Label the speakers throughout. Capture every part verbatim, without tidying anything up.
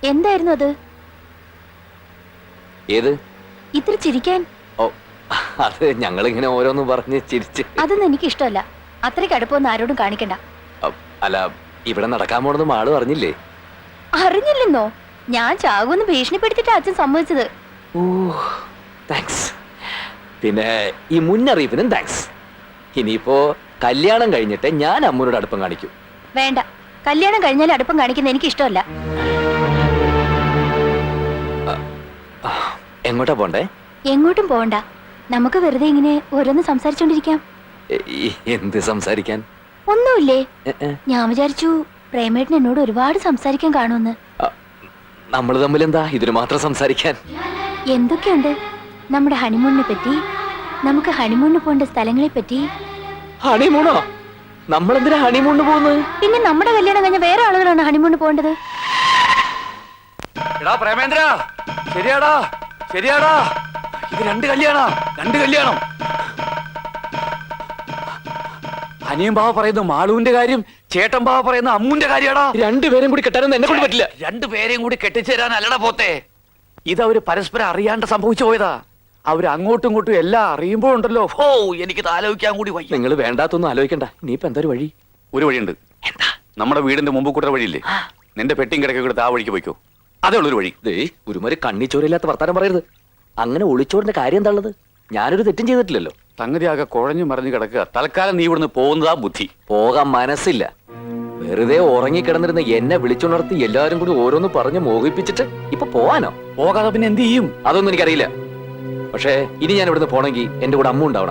Speaker 1: എന്തായിരുന്നു അത്?
Speaker 2: ഏത്?
Speaker 1: ഇത്ര ചിരിക്കാൻ?
Speaker 2: ഓ, അത് ഞങ്ങളിങ്ങനെ ഓരോന്ന് പറഞ്ഞ് ചിരിച്ച്.
Speaker 1: അതൊന്നും എനിക്ക് ഇഷ്ടമല്ല. അത്രയ്ക്ക് അടുപ്പമൊന്നും ആരോടും കാണിക്കണ്ട.
Speaker 2: അല്ല, ഇവിടെ നടക്കാൻ പോണെന്ന് ആള് അറിഞ്ഞില്ലേ?
Speaker 1: അറിഞ്ഞില്ലെന്നോ? ഞാൻ ചാകുമെന്ന് ഭീഷണിപ്പെടുത്തിട്ട് അച്ഛൻ സമ്മതിച്ചത്.
Speaker 2: ഓ, താങ്ക്സ്. പിന്നെ ഈ മുന്നറിയിപ്പിനും താങ്ക്സ്. ഇനിയിപ്പോ കല്യാണം കഴിഞ്ഞിട്ട് ഞാൻ അമ്മൂനോട് അടുപ്പം കാണിക്കും.
Speaker 1: വേണ്ട, കല്യാണം കഴിഞ്ഞാൽ അടുപ്പം കാണിക്കുന്ന എനിക്ക് ഇഷ്ടമല്ല.
Speaker 2: എങ്ങോട്ടാ പോണ്ടേ?
Speaker 1: എങ്ങോട്ടും പോകണ്ട. നമുക്ക് വെറുതെ ഇങ്ങനെ ഓരോന്ന് സംസാരിച്ചോണ്ടിരിക്കാം.
Speaker 2: എന്ത് സംസാരിക്കാൻ?
Speaker 1: ഒന്നുമില്ലേ. ഞാൻ വിചാരിച്ചു പ്രേമേട്ടൻ എന്നോട് ഒരുപാട് സംസാരിക്കാൻ കാണുമെന്ന്.
Speaker 2: നമ്മൾ തമ്മിൽ എന്താ ഇതിന് മാത്രം സംസാരിക്കാൻ?
Speaker 1: എന്തൊക്കെയുണ്ട്. നമ്മുടെ ഹണിമൂണിനെ പറ്റി, നമുക്ക് ഹണിമൂണിന് പോകേണ്ട സ്ഥലങ്ങളെ പറ്റി.
Speaker 2: ഹണിമൂണോ? നമ്മളെന്തിനാ ഹണിമൂണിന് പോകുന്നത്?
Speaker 1: പിന്നെ നമ്മുടെ കല്യാണം കഴിഞ്ഞ വേറെ ആളുകളാണ് ഹണിമൂണിന് പോകേണ്ടത്.
Speaker 3: എടാ പ്രേമേന്ദ്ര, ശരിയാടാ ശരിയാടാ, ഇത് രണ്ട് കല്യാണം രണ്ട് കല്യാണം. അനിയൻ ബാവ പറയുന്ന മാളുവിന്റെ കാര്യം, ചേട്ടൻ ബാവ പറയുന്ന അമ്മുന്റെ കാര്യാടാ.
Speaker 2: രണ്ടുപേരും കൂടി കെട്ടാനൊന്നും എന്നെ കൊണ്ട് പറ്റില്ല.
Speaker 3: രണ്ടുപേരെയും കൂടി കെട്ടിച്ചേരാൻ അല്ലടാ പോത്തെ. ഇത് അവര് പരസ്പരം അറിയാണ്ട് സംഭവിച്ചു പോയതാ. അവര് അങ്ങോട്ടും ഇങ്ങോട്ടും എല്ലാം അറിയുമ്പോഴുണ്ടല്ലോ, ഓ എനിക്ക് ആലോചിക്കാൻ കൂടി വയ്യ.
Speaker 2: നിങ്ങൾ വേണ്ടാത്തൊന്നും ആലോചിക്കണ്ട. നീ ഇപ്പൊ എന്താ ഒരു വഴി?
Speaker 3: ഒരു വഴിയുണ്ട്. എന്താ? നമ്മുടെ വീടിന്റെ മുമ്പ് കൂട്ടുന്ന വഴിയില്ലേ, നിന്റെ പെട്ടിയും കിടക്കെ കൊടുത്ത് ആ വഴിക്ക് പോയിക്കോ. അതേ ഉള്ളൊരു വഴി.
Speaker 2: ദേ, ഒരുമാതിരി കണ്ണിച്ചോരില്ലാത്ത വർത്താനം പറയരുത്. അങ്ങനെ ഒളിച്ചോറിന്റെ കാര്യം എന്താ ഉള്ളത്? ഞാനൊരു തെറ്റും ചെയ്തിട്ടില്ലല്ലോ.
Speaker 3: സംഗതി ആകെ കുഴഞ്ഞു മറിഞ്ഞു കിടക്കുക. തൽക്കാലം നീ ഇവിടുന്ന് പോകുന്നതാ ബുദ്ധി.
Speaker 2: പോകാൻ മനസ്സില്ല. വെറുതെ ഉറങ്ങിക്കിടന്നിരുന്ന എന്നെ വിളിച്ചുണർത്തി എല്ലാവരും കൂടി ഓരോന്ന് പറഞ്ഞ് മോഹിപ്പിച്ചിട്ട് ഇപ്പൊ പോവാനോ?
Speaker 3: പോകാതെ പിന്നെ എന്ത് ചെയ്യും?
Speaker 2: അതൊന്നും എനിക്കറിയില്ല. പക്ഷേ ഇനി ഞാൻ ഇവിടുന്ന് പോണെങ്കിൽ എന്റെ കൂടെ അമ്മ ഉണ്ടാവണം.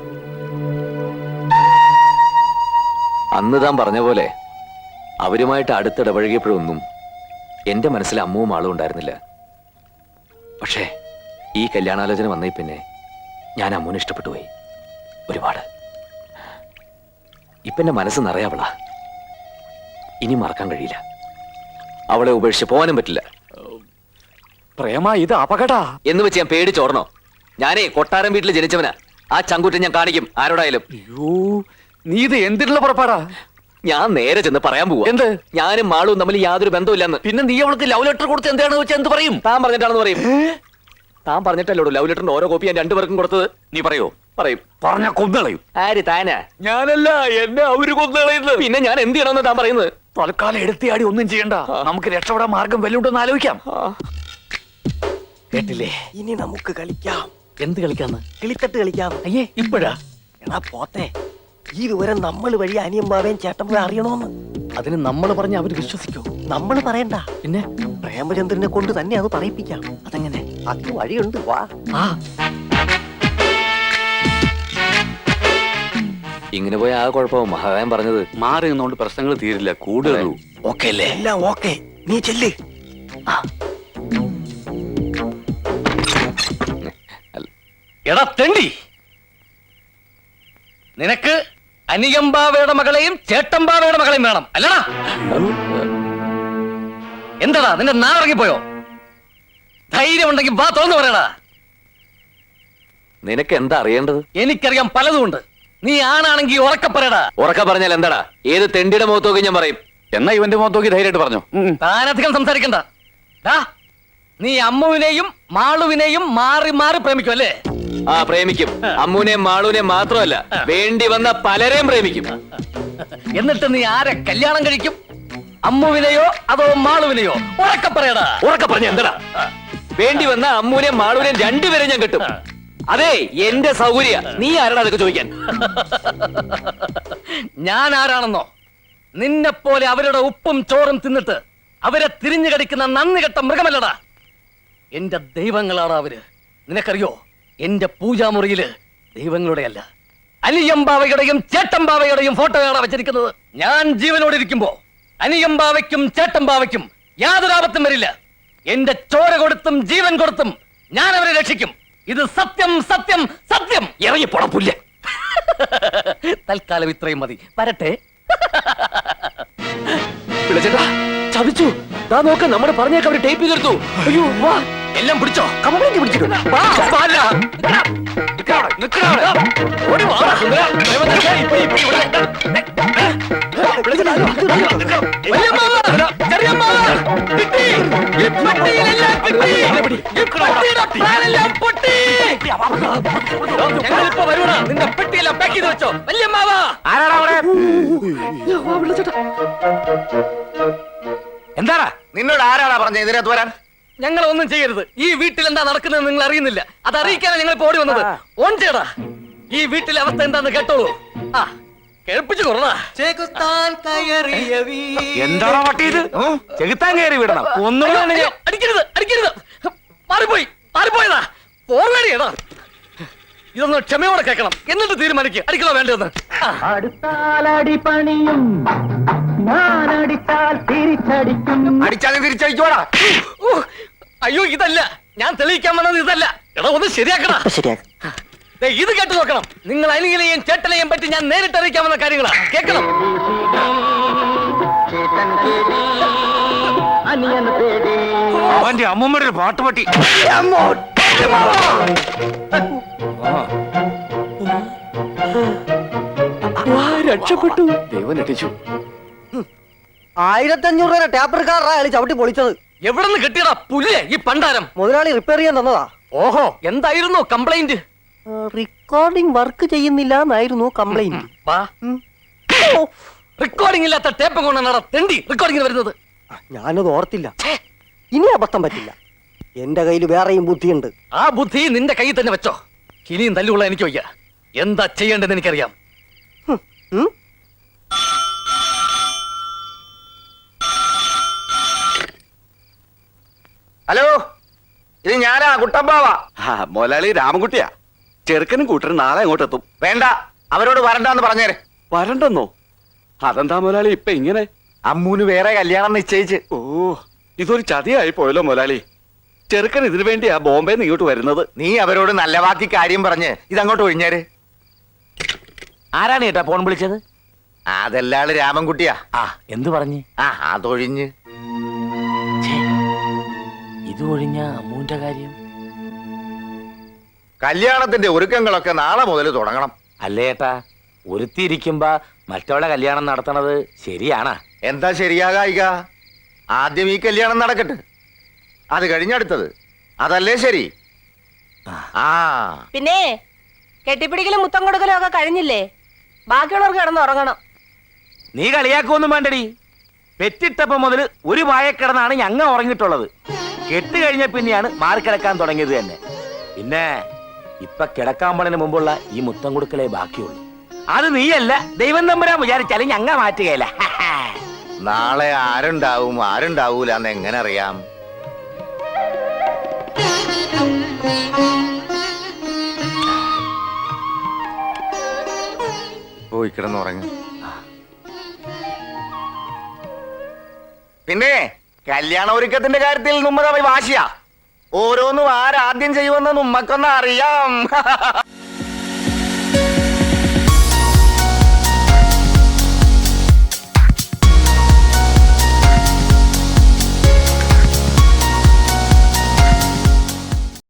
Speaker 2: അന്ന് താൻ പറഞ്ഞ പോലെ അവരുമായിട്ട് അടുത്തിടപഴകിയപ്പോഴൊന്നും എന്റെ മനസ്സിൽ അമ്മുവും ആളും ഉണ്ടായിരുന്നില്ല. പക്ഷേ ഈ കല്യാണാലോചന വന്നേ പിന്നെ ഞാൻ അമ്മൂനെ ഇഷ്ടപ്പെട്ടു പോയി ഒരുപാട്. ഇപ്പൊ എന്റെ മനസ്സ് നിറയാവളാ. ഇനി മറക്കാൻ കഴിയില്ല. അവളെ ഉപേക്ഷിച്ച് പോകാനും പറ്റില്ല.
Speaker 3: പ്രേമ, ഇത് അപകടാ
Speaker 2: എന്ന് വെച്ച് ഞാൻ പേടിച്ചോർണോ? ഞാനേ കൊട്ടാരം വീട്ടിൽ ജനിച്ചവനാ. ആ ചങ്കൂറ്റം ഞാൻ കാണിക്കും ആരോടായാലും.
Speaker 3: അയ്യോ, നീ ഇത് എന്തിനുള്ള പുറപ്പാടാ?
Speaker 2: ഞാൻ നേരെ ചെന്ന് പറയാൻ പോവാ.
Speaker 3: എന്ത്?
Speaker 2: ഞാനും മാളും തമ്മിൽ യാതൊരു ബന്ധമില്ലെന്ന്.
Speaker 3: പിന്നെ നീ അവൾക്ക് ലവ് ലെറ്റർ കൊടുത്ത് എന്താണെന്ന് വെച്ചാൽ എന്ത് പറയും?
Speaker 2: താൻ പറഞ്ഞിട്ടാണെന്ന് പറയും. താൻ പറഞ്ഞിട്ടല്ലോ ലവ് ലെറ്ററിന്റെ ഓരോ കോപ്പി ഞാൻ രണ്ടുപേർക്കും കൊടുത്തത്.
Speaker 3: നീ പറയോ?
Speaker 2: പറയും.
Speaker 3: പറഞ്ഞ കൊന്നുകളയും.
Speaker 2: ആര്? താനാ?
Speaker 3: ഞാനല്ല, എന്നെ അവര് കൊന്നുകളയുന്നത്.
Speaker 2: പിന്നെ ഞാൻ എന്ത് ചെയ്യണമെന്ന് താൻ പറയുന്നത്?
Speaker 3: തൽക്കാലം എടുത്തിയാടി ഒന്നും ചെയ്യണ്ട. നമുക്ക് രക്ഷപ്പെടാൻ മാർഗം വല്ലുണ്ടെന്ന് ആലോചിക്കാം.
Speaker 4: കേട്ടില്ലേ? ഇനി നമുക്ക് കളിക്കാം.
Speaker 3: എന്ത് കളിക്കാന്ന്?
Speaker 4: കിളിത്തട്ട് കളിക്കാം.
Speaker 3: അയ്യേ, ഇപ്പോഴാ?
Speaker 4: എന്നാ പോത്തെ, ഈ വിവരം നമ്മൾ വഴി അനിയമ്പാവേം ചേട്ടൻ അറിയണോന്ന്.
Speaker 3: അതിന് നമ്മൾ പറഞ്ഞ അവര് വിശ്വസിക്കോ?
Speaker 4: നമ്മൾ പറയണ്ട.
Speaker 3: പിന്നെ
Speaker 4: പ്രേമചന്ദ്രനെ കൊണ്ട് തന്നെ അത് പറയിപ്പിക്കാം.
Speaker 3: അതെങ്ങനെ?
Speaker 4: അത് വഴിയുണ്ട്, വാ.
Speaker 3: ആ,
Speaker 2: ഇങ്ങനെ പോയ ആ കുഴപ്പവും മഹാകായം പറഞ്ഞത്.
Speaker 3: മാറി നിന്നോണ്ട് പ്രശ്നങ്ങൾ തീരില്ല, കൂടുതൽ.
Speaker 4: ഓക്കെ അല്ലേ? എല്ലാം ഓക്കെ. നീ ചെല്ല്.
Speaker 5: എടാ തെണ്ടി, നിനക്ക് അനിയമ്പാവയുടെ മകളെയും ചേട്ടമ്പാവയുടെ മകളെയും വേണം അല്ലടാ? എന്താടാ നിന്റെ നാറങ്ങിപ്പോയോ? ധൈര്യം ഉണ്ടെങ്കിൽ വാ തുറന്നു പറയടാ.
Speaker 2: നിനക്ക് എന്താ അറിയേണ്ടത്?
Speaker 5: എനിക്കറിയാം പലതുമുണ്ട്. നീ ആണാണെങ്കിൽ ഉറക്കെ പറയടാ.
Speaker 2: ഉറക്ക പറഞ്ഞാൽ എന്താടാ? ഏത് തെണ്ടിയുടെ മുഖത്ത് നോക്കി ഞാൻ പറയും.
Speaker 3: എന്നാ ഇവന്റെ മുഖത്ത് നോക്കി ധൈര്യമായിട്ട് പറഞ്ഞു.
Speaker 5: താനധികം സംസാരിക്കണ്ട. നീ അമ്മുവിനെയും മാളുവിനെയും മാറി മാറി പ്രേമിക്കും അല്ലേ?
Speaker 2: ആ, പ്രേമിക്കും. അമ്മൂനെയും മാളൂനെയും മാത്രമല്ല, വേണ്ടി വന്ന പലരെയും പ്രേമിക്കും.
Speaker 5: എന്നിട്ട് നീ ആരെ കല്യാണം കഴിക്കും? അമ്മുവിനെയോ അതോ മാളുവിനെയോ? ഉറക്കെ പറയടാ.
Speaker 2: ഉറക്ക പറഞ്ഞ എന്താടാ? വേണ്ടി വന്ന അമ്മൂനെയും മാളൂനെയും രണ്ടുപേരെ ഞാൻ കിട്ടും. അതെ, എന്റെ സൗകര്യ. നീ ആരാടാ അതൊക്കെ ചോദിക്കാൻ?
Speaker 5: ഞാൻ ആരാണെന്നോ? നിന്നെ പോലെ അവരുടെ ഉപ്പും ചോറും തിന്നിട്ട് അവരെ തിരിഞ്ഞു കടിക്കുന്ന നന്ദി കെട്ട മൃഗമല്ലടാ. എന്റെ ദൈവങ്ങളാണ് അവര്. നിനക്കറിയോ, എന്റെ പൂജാമുറിയില് ദൈവങ്ങളുടെ അല്ല, അനിയമ്പാവയുടെയും ചേട്ടമ്പാവയുടെയും ഫോട്ടോയാണ് വെച്ചിരിക്കുന്നത്. ഞാൻ ജീവനോട് ഇരിക്കുമ്പോ അനിയമ്പാവയ്ക്കും ചേട്ടമ്പാവയ്ക്കും യാതൊരു ആപത്തും വരില്ല. എന്റെ ചോര കൊടുത്തും ജീവൻ കൊടുത്തും ഞാൻ അവരെ രക്ഷിക്കും. ഇത് സത്യം, സത്യം, സത്യം.
Speaker 2: ഇറങ്ങി പൊടപ്പില്ല.
Speaker 5: തൽക്കാലം ഇത്രയും മതി. വരട്ടെ.
Speaker 2: വിളിച്ചേട്ടാ, ചതിച്ചു. താ നോക്ക്, നമ്മുടെ പറഞ്ഞേക്ക് അവര് ടേപ്പ് ചെയ്തെടുത്തു. അയ്യോ, വാ.
Speaker 5: എല്ലാം പിടിച്ചോ?
Speaker 2: കംപ്ലൈന്റ് പിടിച്ചിട്ടുണ്ട്. വാ, വാ. ഓടി വാ, സുന്ദര. ഇപ്പൊ ഇപ്പൊ ഇവിടെ.
Speaker 5: വലിയമ്മാവ, ചെറിയമ്മാവ, കിട്ടി. ഈ പെട്ടിയിലെല്ലാം കിട്ടി. ഈ പെട്ടിയുടെ പ്ലാനെല്ലാം പൊട്ടി. ഞങ്ങളിപ്പോ വരുവാണ്. നിന്റെ പെട്ടിയെല്ലാം പാക്ക് ചെയ്ത് വെച്ചോ. വല്യമ്മാവാ.
Speaker 3: ആരാടാ അവിടെ? എന്താടാ നിന്നോട് ആരാടാ പറഞ്ഞ ഇതിനകത്ത് വരാൻ?
Speaker 5: ഞങ്ങൾ ഒന്നും ചെയ്യരുത്. ഈ വീട്ടിൽ എന്താ നടക്കുന്നത് നിങ്ങൾ അറിയുന്നില്ല. അത് അറിയിക്കാനാണ് ഞങ്ങൾ ഇപ്പോ ഓടി വന്നത്. ഓൺ ചെയ്യടാ. ഈ വീട്ടിലെ അവസ്ഥ എന്താന്ന് കേട്ടോളൂ. ആ കേൾപ്പിച്ചു കൊറടാ.
Speaker 3: എന്താണോ പട്ടി ഇത്? ചെകുത്താൻ കയറി വിടണം. ഒന്നും
Speaker 5: അയ്യോ, അടിക്കരുത് അടിക്കരുത്. മാറിപ്പോയി മാറിപ്പോയതാ. പോവേടിയടാ. ഇതൊന്ന് ക്ഷമയോടെ കേൾക്കണം. എന്നിട്ട് തീരുമാനിക്കുക അടിക്കണോ വേണ്ടെന്ന്.
Speaker 4: അടുത്താലടി പണിയും ഞാനടിച്ചാൽ തിരിച്ചടിക്കും.
Speaker 3: അടിച്ചാലും തിരിച്ചടിക്കോടാ.
Speaker 5: ഊ, അയ്യോ ഇതല്ല ഞാൻ തെളിയിക്കാൻ വന്നത്. ഇതല്ല എടാ ഒന്ന് ശരിയാക്കടാ.
Speaker 4: ശരിയാക്കാം.
Speaker 5: ദേ, ഇത് കേട്ടു നോക്കണം. നിങ്ങൾ അനിലെയും ചേട്ടനെയും പറ്റി ഞാൻ നേരിട്ട് അറിയിക്കാവുന്ന കാര്യങ്ങളാ. കേൾക്കണം.
Speaker 3: അവന്റെ അമ്മൂമ്മയുടെ ഒരു പാട്ടുപട്ടി.
Speaker 5: രക്ഷപ്പെട്ടു.
Speaker 3: ദൈവം രക്ഷിച്ചു.
Speaker 4: ആയിരത്തി അഞ്ഞൂറ് രൂപ ടാപ്പർ കാറാ അയാൾ ചവിട്ടി പൊളിച്ചത്.
Speaker 5: എവിടെ നിന്ന് കിട്ടിയടാ പുല്ലേ ഈ പണ്ടാരം?
Speaker 4: മുതലാളി റിപ്പയർ ചെയ്യാൻ തന്നതാ.
Speaker 5: ഓഹോ എന്തായിരുന്നു കംപ്ലൈന്റ്?
Speaker 4: റെക്കോർഡിംഗ് വർക്ക് ചെയ്യുന്നില്ല എന്നായിരുന്നു കംപ്ലൈന്റ്.
Speaker 5: വാ റെക്കോർഡിംഗ് ഇല്ലാത്ത ടേപ്പ് കൊണ്ടാണ് തെണ്ടി റെക്കോർഡിംഗിന് വരുന്നത്.
Speaker 4: ഞാനത് ഓർത്തില്ല. ഇനി അബദ്ധം പറ്റില്ല. എന്റെ കയ്യിൽ വേറെയും ബുദ്ധിയുണ്ട്.
Speaker 5: ആ ബുദ്ധി നിന്റെ കയ്യിൽ തന്നെ വെച്ചോ. ഇനിയും തല്ലുള്ള എനിക്ക് വയ്യ. എന്താ ചെയ്യേണ്ടതെന്ന് എനിക്കറിയാം.
Speaker 4: ഉം?
Speaker 3: ഹലോ ഇത് ഞാനാ കുട്ടമ്പാവാ. മുതലാളി രാമൻകുട്ടിയാ. ചെറുക്കനും കൂട്ടരും നാളെ അങ്ങോട്ട് എത്തും. വേണ്ട അവരോട് വരണ്ടെന്ന് പറഞ്ഞേരെ. വരണ്ടെന്നോ? അതെന്താ മുതലാളി ഇപ്പൊ ഇങ്ങനെ? അമ്മൂന് വേറെ കല്യാണം നിശ്ചയിച്ച്. ഓ ഇതൊരു ചതിയായി പോയല്ലോ മുതലാളി. ചെറുക്കൻ ഇതിനു വേണ്ടിയാ ബോംബെന്ന് ഇങ്ങോട്ട് വരുന്നത്. നീ അവരോട് നല്ല വാക്കി കാര്യം പറഞ്ഞ് ഇതങ്ങോട്ട് ഒഴിഞ്ഞേര്. ആരാണ് ഏട്ടാ ഫോൺ വിളിച്ചത്? അതെല്ലാള് രാമൻകുട്ടിയാ. ആ എന്ത് പറഞ്ഞു? ആ അതൊഴിഞ്ഞ് ഇത് ഒഴിഞ്ഞ അമ്മൂന്റെ കാര്യം. കല്യാണത്തിന്റെ ഒരുക്കങ്ങളൊക്കെ നാളെ മുതൽ തുടങ്ങണം. അല്ലേട്ടാ ഒരുത്തിയിരിക്കുമ്പോ മറ്റവളെ കല്യാണം നടത്തണത് ശരിയാണാ? എന്താ ശരിയാകായിക? ആദ്യം ഈ കല്യാണം നടക്കട്ടെ, അത് കഴിഞ്ഞടുത്തത്. അതല്ലേ ശരി? ആ
Speaker 6: പിന്നെ കെട്ടിപ്പിടിക്കലും മുത്തം കൊടുക്കലും ഒക്കെ കഴിഞ്ഞില്ലേ? ബാക്കിയുള്ളവർക്ക് കിടന്ന് ഉറങ്ങണം.
Speaker 3: നീ കളിയാക്കൊന്നും വേണ്ടടി. പെറ്റിട്ടപ്പം മുതൽ ഒരു വായക്കിടന്നാണ് ഞങ്ങ ഉറങ്ങിയിട്ടുള്ളത്. കെട്ട് കഴിഞ്ഞ പിന്നെയാണ് മാറിക്കിടക്കാൻ തുടങ്ങിയത് തന്നെ. പിന്നെ ഇപ്പൊ കിടക്കാൻ പോണതിന് മുമ്പുള്ള ഈ മുത്തം കൊടുക്കലേ ബാക്കിയുള്ളൂ. അത് നീയല്ല ദൈവം തമ്പുരാൻ വിചാരിച്ചാലും ഞങ്ങ മാറ്റുകയല്ല. നാളെ ആരുണ്ടാവും ആരുണ്ടാവൂല എന്ന് എങ്ങനെ അറിയാം? പോയി കിടന്നുറങ്ങി. പിന്നെ കല്യാണ ഒരുക്കത്തിന്റെ കാര്യത്തിൽ നമ്മ വാശിയാ. ഓരോന്നും ആരാദ്യം ചെയ്യുമെന്ന് നമ്മക്കൊന്നും അറിയാം.